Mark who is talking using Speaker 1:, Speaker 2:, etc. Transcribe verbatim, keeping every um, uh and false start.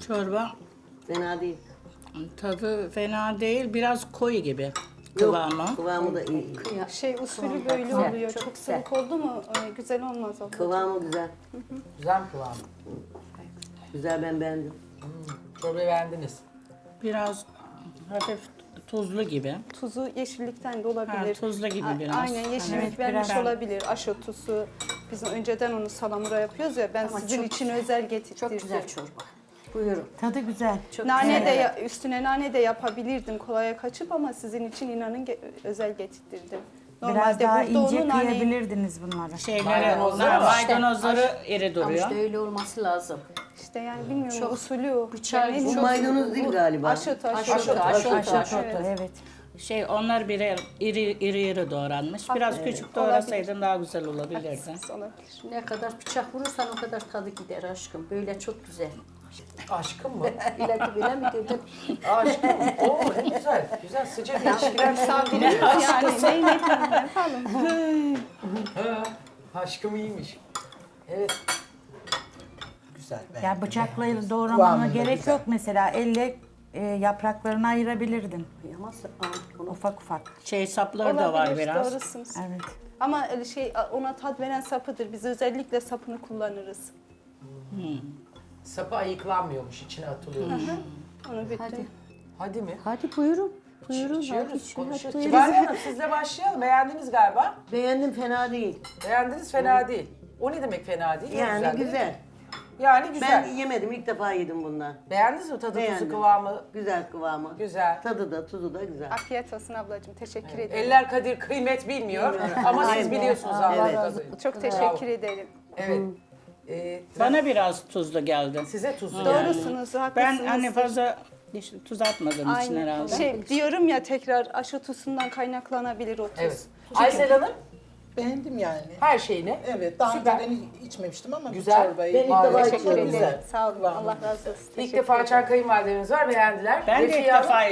Speaker 1: Çorba
Speaker 2: Fena değil.
Speaker 1: tadı fena değil. Biraz koyu gibi
Speaker 2: Yok,
Speaker 1: kıvamı.
Speaker 2: kıvamı da iyi.
Speaker 3: Şey usulü böyle
Speaker 4: güzel,
Speaker 3: oluyor.
Speaker 4: çok
Speaker 3: Çok,
Speaker 4: güzel.
Speaker 3: sıvık oldu mu e, güzel olmaz ablacığım.
Speaker 2: Kıvamı güzel.
Speaker 5: Güzel mi kıvamı?
Speaker 2: Güzel, ben beğendim.
Speaker 5: Çorbayı beğendiniz.
Speaker 1: Biraz hafif tuzlu gibi.
Speaker 3: Tuzu yeşillikten de olabilir.
Speaker 1: Ha, tuzlu gibi
Speaker 3: A-
Speaker 1: biraz.
Speaker 3: Aynen yeşillik
Speaker 1: Evet,
Speaker 3: vermiş
Speaker 1: biraz.
Speaker 3: olabilir. Aşotusu. Biz önceden onu salamura yapıyoruz ya. Ben
Speaker 4: Ama
Speaker 3: sizin
Speaker 4: çok
Speaker 3: için
Speaker 4: güzel.
Speaker 3: özel getirdim.
Speaker 4: Çok güzel çorba. Buyurun.
Speaker 6: Tadı güzel.
Speaker 4: Çok
Speaker 3: Nane
Speaker 4: güzel.
Speaker 3: de ya- üstüne nane de yapabilirdim kolaya kaçıp ama sizin için inanın ge- özel getirdim.
Speaker 6: Biraz daha ince
Speaker 3: onu naneyi-
Speaker 6: kıyabilirdiniz bunları.
Speaker 1: Şeyleri,
Speaker 5: Maydanozları
Speaker 1: onlar
Speaker 5: var.
Speaker 1: maydanozları iri
Speaker 4: Ama
Speaker 1: duruyor.
Speaker 4: işte öyle olması lazım.
Speaker 3: İşte yani bilmiyorum
Speaker 4: Çok
Speaker 3: usulü o.
Speaker 4: bıçağı-
Speaker 3: Ben en
Speaker 2: Bu
Speaker 3: çok-
Speaker 2: maydanoz değil galiba.
Speaker 3: Aşot, aşot.
Speaker 4: Aşotu, aşotu,
Speaker 3: Evet.
Speaker 4: aşotu.
Speaker 6: Evet.
Speaker 1: Şey onlar birer iri iri iri doğranmış. Biraz küçük doğrasaydın daha güzel olabilirdi.
Speaker 3: Haklısınız, olabilir.
Speaker 4: Ne kadar bıçak vurursan o kadar tadı gider aşkım. Böyle çok güzel.
Speaker 5: Aşkım mı?
Speaker 4: İlahi bile mi dedim?
Speaker 5: Aşkım. Oo ne güzel. Güzel sıcak ilişkiler.
Speaker 3: Misafirimiz yani ne ne ne yapalım.
Speaker 5: Ha, aşkım iyiymiş. Evet.
Speaker 7: Güzel.
Speaker 6: Ya bıçakla
Speaker 7: Kıvamı
Speaker 6: doğramana
Speaker 7: da
Speaker 6: gerek
Speaker 7: güzel.
Speaker 6: yok mesela. Elle e, yapraklarını ayırabilirdin.
Speaker 4: Ama aa, onu
Speaker 6: Ufak ufak.
Speaker 1: Şey sapları da var
Speaker 3: Olabilir,
Speaker 1: biraz.
Speaker 3: doğrusunuz.
Speaker 6: Evet.
Speaker 3: Ama öyle şey ona tat veren sapıdır. Biz özellikle sapını kullanırız.
Speaker 5: Sapı ayıklanmıyormuş, içine atılıyormuş.
Speaker 3: Onu bütün.
Speaker 4: Hadi.
Speaker 5: Hadi mi?
Speaker 4: Hadi buyurun. Buyurun.
Speaker 5: İçiyoruz,
Speaker 4: hadi için,
Speaker 5: konuşuyoruz.
Speaker 4: hadi
Speaker 5: Kibariye Hanım sizle başlayalım. Beğendiniz galiba.
Speaker 2: Beğendim, fena değil.
Speaker 5: Beğendiniz fena değil. O ne demek fena değil? Ne
Speaker 2: Yani
Speaker 5: değil mi?
Speaker 2: güzel.
Speaker 5: Yani güzel.
Speaker 2: Ben yemedim, ilk defa yedim bundan.
Speaker 5: Beğendiniz mi tadı, tuzu,
Speaker 2: Beğendim.
Speaker 5: kıvamı?
Speaker 2: Güzel kıvamı.
Speaker 5: Güzel.
Speaker 2: Tadı da, tuzu da güzel.
Speaker 3: Afiyet olsun ablacığım. Teşekkür ederim.
Speaker 5: Eller kadir kıymet bilmiyor ama siz
Speaker 2: Aynen.
Speaker 5: biliyorsunuz Allah
Speaker 2: Evet.
Speaker 5: razı olsun.
Speaker 3: Çok teşekkür ederim.
Speaker 5: Evet. Ee,
Speaker 1: Bana biraz tuzlu geldi.
Speaker 5: size tuzlu geldi.
Speaker 3: Doğrusunuz, haklısınız.
Speaker 1: Ben hani fazla işte tuz atmadığım için
Speaker 3: Aynen.
Speaker 1: herhalde.
Speaker 3: Şey diyorum ya tekrar aşotusundan kaynaklanabilir o tuz.
Speaker 5: Evet. Aysel Hanım
Speaker 7: Beğendim yani.
Speaker 5: her şeyini.
Speaker 7: Evet, daha
Speaker 5: Süper.
Speaker 7: önce ben içmemiştim ama
Speaker 5: Güzel.
Speaker 7: bu çorbayı...
Speaker 2: Ben ilk
Speaker 5: Vallahi
Speaker 2: defa
Speaker 3: Teşekkür
Speaker 2: içiyorum.
Speaker 3: ederim.
Speaker 7: Güzel.
Speaker 3: Sağ olun.
Speaker 7: Kıvamı
Speaker 3: Allah razı olsun.
Speaker 5: İlk
Speaker 3: Teşekkür
Speaker 5: defa
Speaker 3: ederim.
Speaker 5: açan kayınvalidemiz var, beğendiler.
Speaker 1: Ben de ilk
Speaker 5: Refiye Hanım,
Speaker 1: defa